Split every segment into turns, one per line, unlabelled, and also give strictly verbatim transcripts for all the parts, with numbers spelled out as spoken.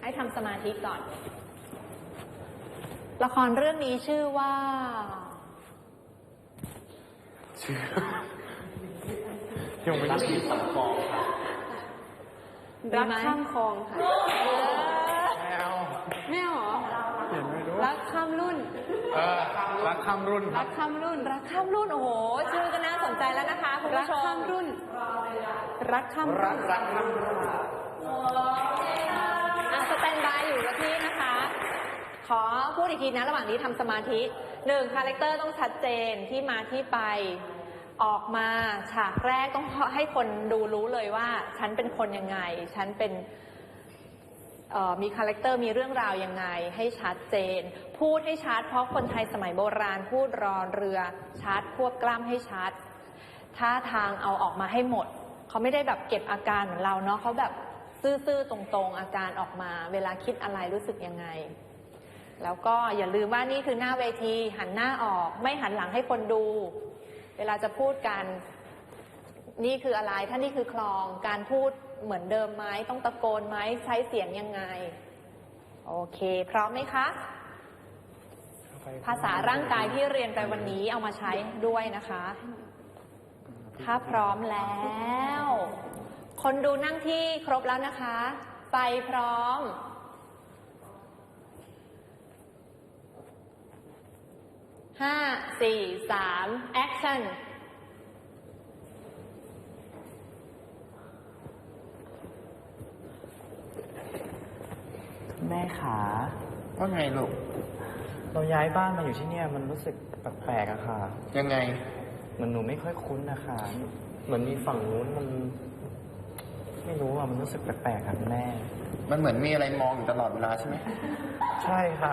ให้ทำสมาธิก่อน ละครเรื่องนี้ชื่อว่า
ชื่อยังไม่ได้สัมคองค่ะ
รักข้ามคลองค่ะ
แมว
แมวเหรอ
เห็นไหมดู
รักข้ามรุ่น
เออรักข้ามรุ่น
รักข้ามรุ่นรักข้ามรุ่นโอ้โหชื่อก็น่าสนใจแล้วนะคะคุณผู้ชมรักข้ามรุ่นรักข้ามรุ่น
รักข้ามรุ่น
อ่ะสแตนบายอยู่กับพี่นะคะขอพูดอีกทีนะระหว่างนี้ทำสมาธิหนึ่งคาแรคเตอร์ต้องชัดเจนที่มาที่ไปออกมาฉากแรกต้องให้คนดูรู้เลยว่าฉันเป็นคนยังไงฉันเป็นมีคาแรคเตอร์มีเรื่องราวยังไงให้ชัดเจนพูดให้ชัดเพราะคนไทยสมัยโบราณพูดรอเรือชัดควบกล้ำให้ชัดท่าทางเอาออกมาให้หมดเขาไม่ได้แบบเก็บอาการเหมือนเราเนาะเขาแบบซื่อๆตรงๆอาการออกมาเวลาคิดอะไรรู้สึกยังไงแล้วก็อย่าลืมว่านี่คือหน้าเวทีหันหน้าออกไม่หันหลังให้คนดูเวลาจะพูดกันนี่คืออะไรถ้านี่คือคลองการพูดเหมือนเดิมไหมต้องตะโกนไหมใช้เสียงยังไงโอเคพร้อมไหมคะภาษาร่างกายที่เรียนไปวันนี้เอามาใช้ด้วยนะคะถ้าพร้อมแล้วคนดูนั่งที่ครบแล้วนะคะไฟพร้อมห้าสี่สามแอคชั่น
แม่ขา
ว่าไงลูก
เราย้ายบ้านมาอยู่ที่เนี่ยมันรู้สึกแปลกๆอะค่ะ
ยังไง
เหมือนหนูไม่ค่อยคุ้นนะคะเหมือนมีฝั่งนู้นมันไม่รู้อะมันรู้สึกแปลกๆค่ะแม่
มันเหมือนมีอะไรมองอยู่ตลอดเวลาใช่ไหม
ใช่ค่ะ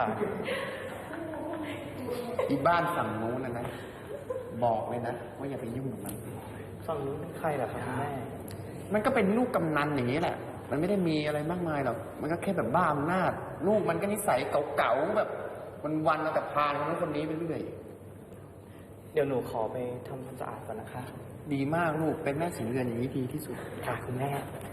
อีบ้านฝั่งนู้นนะนะบอกเลยนะว่าอย่าไปยุ่งกับมัน
ฝั่งนู้นเป็นใครล่ะครับแม่
มันก็เป็นลูกกำนันอย่างนี้แหละมันไม่ได้มีอะไรมากมายหรอกมันก็แค่แบบบ้าอำนาจลูกมันก็นิสัยเก่าๆแบบวันๆเอาแต่พาคนนั้นคนนี้ไปเรื่อย
เดี๋ยวหนูขอไปทำความสะอาดก่อนนะคะ
ดีมากลูกเป็นแม่สีเรือนอย่างนี้ดีที่สุด
ค่ะคุณแม่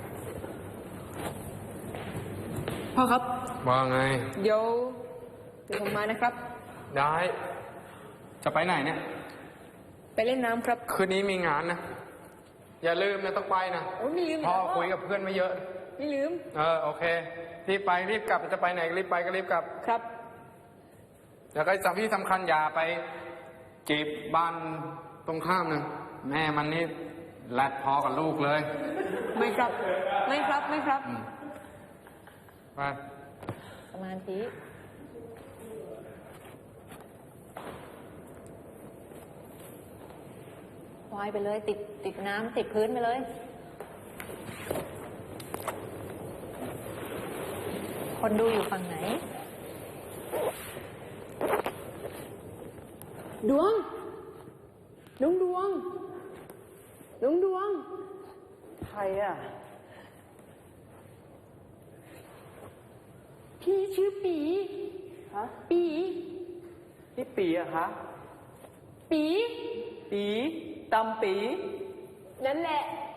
พ่อครับ
ว่าไง
เดี๋ยวเดี๋ยวผมมานะครับ
ได้จะไปไหนเนี่ย
ไปเล่นน้ำครับ
คืนนี้มีงานนะอย่าลืมนะต้องไปนะ
โอ้ไม่ลืม
พ่อคุยกับเพื่อนไม่เยอะ
ไม่ลืม
เออโอเครีบไปรีบกลับจะไปไหนรีบไปก็รีบกลับ
ครับ
แล้วก็สำคัญที่สำคัญอย่าไปจีบบ้านตรงข้ามนะแม่มันนี่แรดพอกับลูกเลย
ไม่ครับไม่ครับไม่ครับ
ไป
สมาธิวายไปเลยติดติดน้ำติดพื้นไปเลยคนดูอยู่ฝั่งไหนดวงน้องดวงน้องดวง
ใครอ่ะ
พี่ชื่อปี
ฮะ
ปี
นี่ปีอะคะ
ปี
ปีตำปี
นั่นแหละ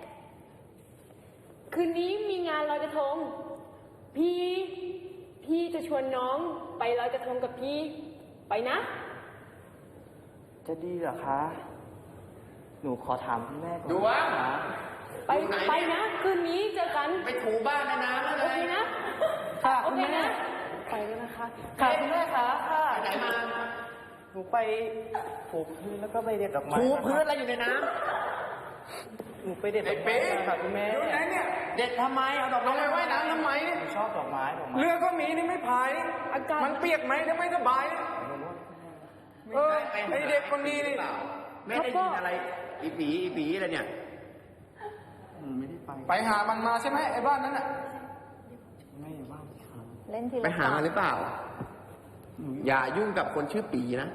คืนนี้มีงานลอยกระทงพี่พี่จะชวนน้องไปลอยกระทงกับพี่ไปนะ
จะดีเหรอคะหนูขอถามคุณแม่ก่อน
ดูว่า
ไปไปนะคืนนี้เจอกัน
ไปถูบ้านนะนะ
โอเคนะ
ค่ะ
โอเคนะ
ไปกันนะคะค่ะคุณแม่คะค่ะ
ไหนมา
หนูไปถูพื้นแล้วก็ไปเด็ดดอกไม้
ถูพื้นอะไรอยู่ในน้
ำหนูไปเด็ดดอกไม้ค่ะคุณแม่
อยู่ไหนเนี่ยเด็ดทำไมเอาดอกไม้ไปไว้น้ำทำไม
หนูชอบดอกไม้ดอกไม้
เรือก็มีนี่ไม่พายอากาศมันเปียกไหมถ้าไม่สบายเออไอเด็กคนนี้นี่ไม่ได้ยินอะไรอีปีอีปีอะไรเนี่ย
ไม่ได้ไป
ไปหามันมาใช่ไหมไอ้บ้านนั้นอ่ะ
ไม่บ้านครับ
เล่นที
ไปหามาหรือเปล่าอย่ายุ่งกับคนชื่อปีนะ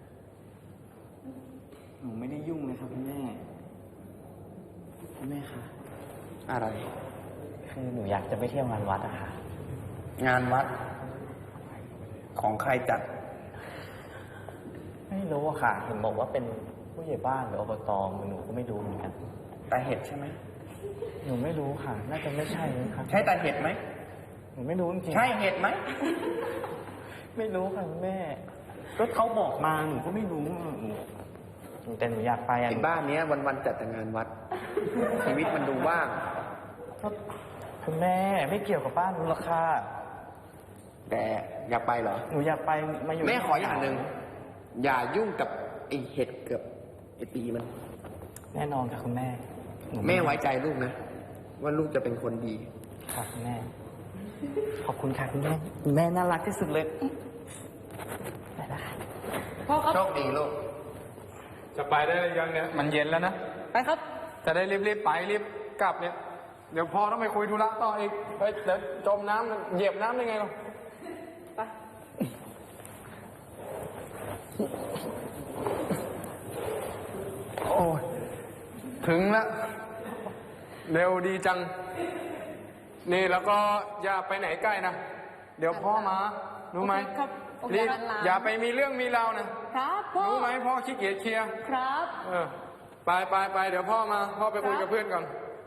หนูไม่ได้ยุ่งเลยครับคุณแม่คุณแม่คะ
อะไร
คือหนูอยากจะไปเที่ยวงานวัดอะค่ะ
งานวัดของใครจัด
ไม่รู้อะค่ะเห็นบอกว่าเป็นผู้ใหญ่บ้านหรืออบตหนูก็ไม่รู้เหมือนกัน
ตาเห็ดใช่ไหม
หนูไม่รู้ค่ะน่าจะไม่ใช่นะครับ
ใช่ตาเห็ดไหม
หนูไม่รู้จริงๆ
ใช่เห็ดไหม
ไม่รู้ค่ะคุณแม่ ก็เขาบอกมาหนูก็ไม่รู้หนูแต่หนูอยากไปอ่ะ
ไอ้บ้านเนี้ยวันๆจัดแต่งานวัด ชีวิตมันดูว่าง
ก็คุณแม่ไม่เกี่ยวกับบ้านหนูหรอกค่ะ
แต่อยากไปเหรอ
หนูอยากไปมาอยู่
แม่ขออย่างหนึ่งอย่ายุ่งกับไอ้เห็ดเกือบไอ้ปีมัน
แน่นอนค่ะคุณแม่หนู
แม่ไว้ใจลูกนะ ว่าลูกจะเป็นคนดี
ค่ะคุณแม่ ขอบคุณค่ะคุณแม่คุณแม่น่ารักที่สุดเลยไปละค่ะ
พ่อครับ
โชคดีลูก
จะไปได้หรือยังเนี่ยมันเย็นแล้วนะ
ไปครับ
จะได้รีบๆไปรีบกลับเนี่ย เดี๋ยวพ่อต้องไปคุยธุระต่ออีกเฮ้ยเดี๋ยวจมน้ำเหยียบน้ำได้ไงหรอ
ไป
โอ้ยถึงแล้วเร็วดีจัง นี่แล้วก็อย่าไปไหนใกล้นะ เดี๋ยวพ่อมารู้ไหม
โอเคครับโอเค
รีบ
ครับ
อย่าไปมีเรื่องมีราวนะครับ
พ่อ
รู้ไหมพ่อขี้เกียจเคลียร์
ครับ
เออไปไปไปเดี๋ยวพ่อมา พ่อไปคุยกับเพื่อนก่อน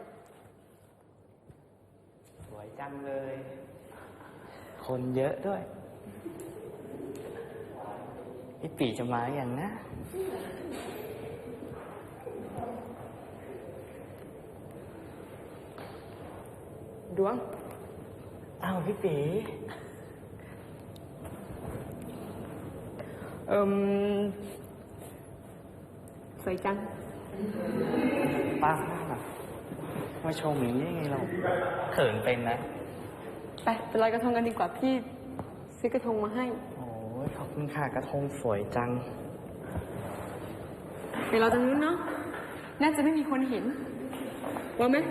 สวยจังเลย คนเยอะด้วยพี่ปีจะมาอย่างนะ
ดวง
อ้าวพี่ปีเอิม
สวยจัง
ป้ามาชมอย่างนี้ยังไงเราเขินเป็นนะ
ไปไปลอยกระทงกันดีกว่าพี่ซื้อกระทงมาให้
โอ้ยขอบคุณค่ะกระทงสวยจัง
ไปรอตรงนู้นเนาะ น่าจะไม่มีคนเห็นว่าไหม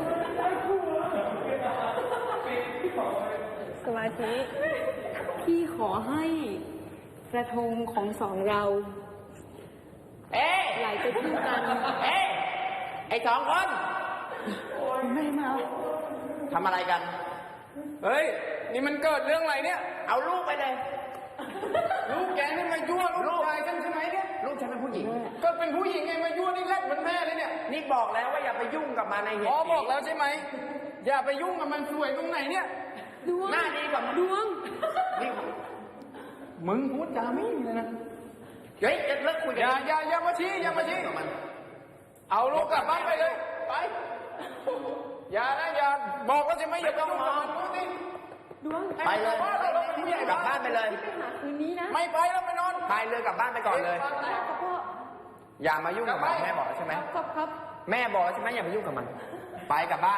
สมาธิ พี่ขอให้กระทงของสองเรา
เอ๊ะ
ไหลไปที่กัน
เอ๊ะไอ้สองคน
ไม่มา
ทำอะไรกัน
เฮ้ย นี่มันเกิดเรื่องอะไรเนี่ย
เอาลูกไปเลย
ลูกแกนี่มายั่วลูกชายกันใช่ไหมเนี่ย
ลูกฉันเป็นผู้หญิง
ก็เป็นผู้หญิงไงมายั่วนี่แรกเหมือนแม่เลยเนี่ย
นี่บอกแล้วว่าอย่าไปยุ่งกับมันในเห็ด
พ่อบอกแล้วใช่ไหม อย่าไปยุ่งกับมันสวยตรงไหนเนี่ย
ดวง
หน้าดีกว่ามัน
ดวง
นี่
มึงพูดจาไม่ดีเลยนะ
เฮ้ยจะเลิกคุย
อ
กั
ย่าอย่าอย่ามาชี้อย่ามาชี้
กับมัน
เอาลูกกลับบ้านไปเลย ไป อย่านะอย่าบอกแล้วใช่ไหมอย่าไปยุ่งกับมันดูสิ
ดวง
ไปเลย
ให้มันกลับบ้านเราเป็นผู้ใหญ่
กลับบ้านไปเลย
ไปหาคืนนี้นะ
ไม่ไปแล้วไปนอน
พายเรือกลับบ้านไปก่อนเลย
ครับพ่อ
อย่ามายุ่งกับมันแม่บอกแล้วใช่ไหม
ครับครับ
แม่บอกแล้วใช่ไหมอย่ามายุ่งกับมัน ไปกลับบ้าน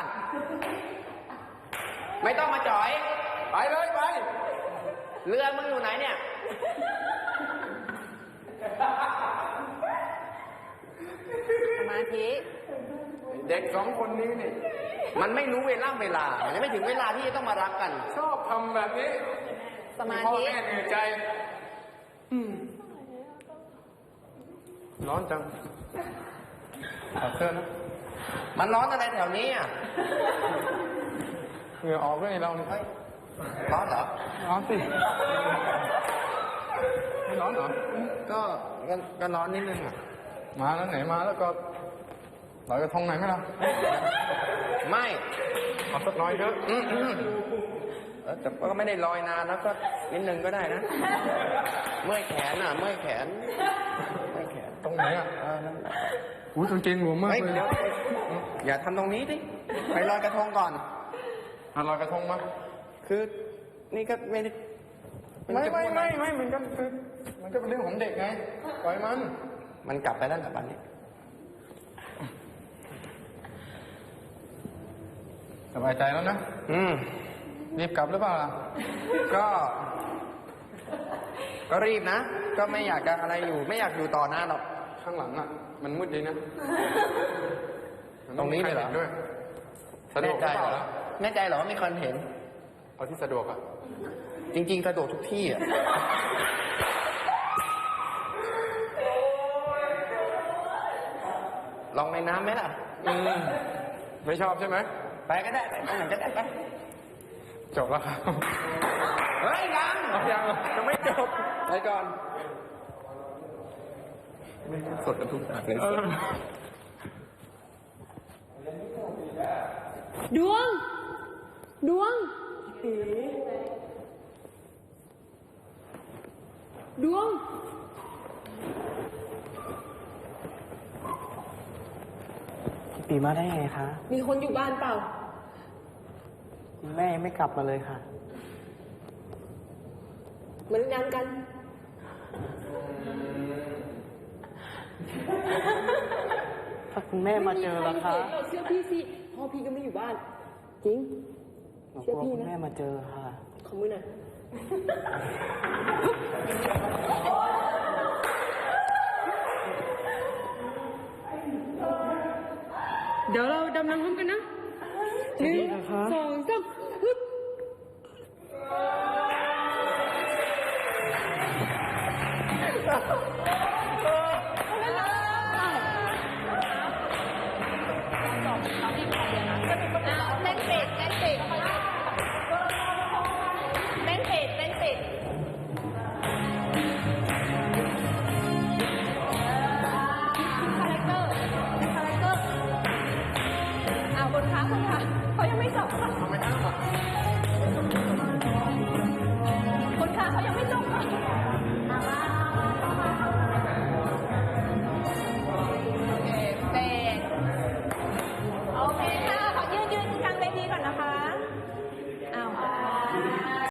ไม่ต้องมาจ่อย
ไปเลยไป
เรือมึงอยู่ไหนเนี่ย
สมาธิ
เด็กสองคนนี้นี่
มันไม่รู้เวลาเวลา มันยังไม่ถึงเวลาที่จะต้องมารักกัน
ชอบทำแบบนี้
สมา
พ่อ
ธิ
แม่เหนื่อยใจ อืมร้อนจังขอเสื้อนะ
มันร้อนอะไรแถวนี้อ่ะ
เหงื่อออกด้วยเราเนี่ย
ร้อนเหรอ
ร้อนสิไม่ร้อนเหรอ
ก็ก็ก็ร้อนนิดนึงอ่ะ
มาแล้วไหนมาแล้วก็ลอยกระทงไหนอยไหมล่ะ
ไม่
เอาสักน้อยเถอะ
อืมอืมเออแต่ก็ไม่ได้ลอยนานแล้วก็นิดนึงก็ได้นะ เมื่อยแขนอ่ะ เมื่อยแขน เมื่อยแขน
ตรงไหนอ่ะ
เออนั่นแหละ
อุ้ยกางเกงหลวมมาก
เฮ้ย
เลย
เดี๋ยวอย่าทำตรงนี้ดิ ไปลอยกระทงก่อน
อ่ะลอยกระทงมา
คือ นี่ก็ไม่ได้
ไม่ไม่ไม่ไม่มันก็คือมันก็เป็นเรื่องของเด็กไงปล่อยมัน
มันกลับไปแล้วกับบ้านนี้
สบายใจแล้วนะ
อืม
รีบกลับหรือเปล่าล่ะ
ก็ ก็รีบนะ ก็ไม่อยากจะอะไรอยู่ ไม่อยากอยู่ต่อนานหรอก
ข้างหลังอ่ะ มันมืดดีนะมั
ตรงนี้เลยเหรอ
มีใคด้วยสะดว
แน่
กห
ใจ
รือเป
เหร
ล่า
อ
ล่ะ
แน่ใจเหรอว่ามีคนเห็น
เอาที่สะดวกอ่ะ
จริงๆสะดวกทุกที่อ่ะ ลองในน้ำไหมล่ะ
อืมไม่ชอบใช่ไหม
ไปก็ได้ ไปตรงไหนก็ได้ไป
จบแล้วครับ
เฮ้ยยัง
เอายังเหรอ
ยังไม่จบ ไปก่อน ไม่สดกันทุกอย่างเลย
เออ
ดวง ดวง ด
ผีดวง
พี่ปีมาได้ไงคะ
มีคนอยู่บ้านเปล่า
คุณแม่ยังไม่กลับมาเลยค่ะ
เหมือนกันกัน
ถ้าคุณแม่มาเจอแล้วคะ
ไม่มีใรเห็นหรอกเชื่อพี่สิพ่อพี่ก็ไม่อยู่บ้าน จริง
หนูกลัวคุณแม่มาเจอค่ะ
ขอมือหน่อยเดี๋ยวเราดำน้ำพร้อมกันนะหนึ่ง
ดีนะคะ
สองสามฮึบ